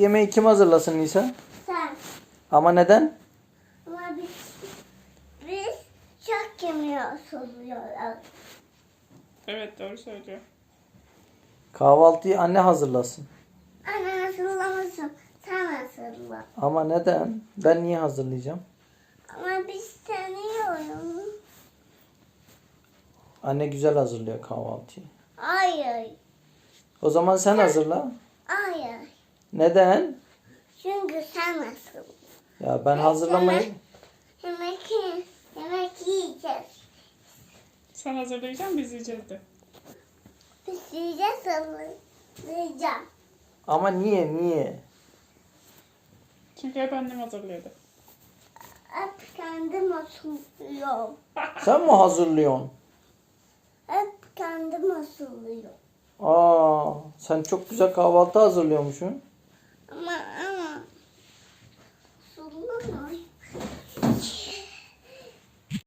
yemeği kim hazırlasın Nisa? Sen. Ama neden? Ama biz çok yemeği hazırlıyoruz. Evet, doğru söylüyor. Kahvaltıyı anne hazırlasın. Anne hazırlamasın. Sen hazırla. Ama neden? Ben niye hazırlayacağım? Ama biz tanıyoruz. Anne güzel hazırlıyor kahvaltıyı. Hayır. O zaman sen hazırla. Hayır. Neden? Çünkü sen hazırla. Ya ben hazırlamayı... Yemek yiyeceğiz. Sen hazırlayacaksın, biz yiyeceğiz de. Biz yiyeceğiz hazırlayacağım. Ama niye? Çünkü hep annem hazırlıyordu. Hep kendim hazırlıyorum. Sen mi hazırlıyorsun? Hep kendim hazırlıyorum. Aa, sen çok güzel kahvaltı hazırlıyormuşsun. Ama hazırlamıyorum.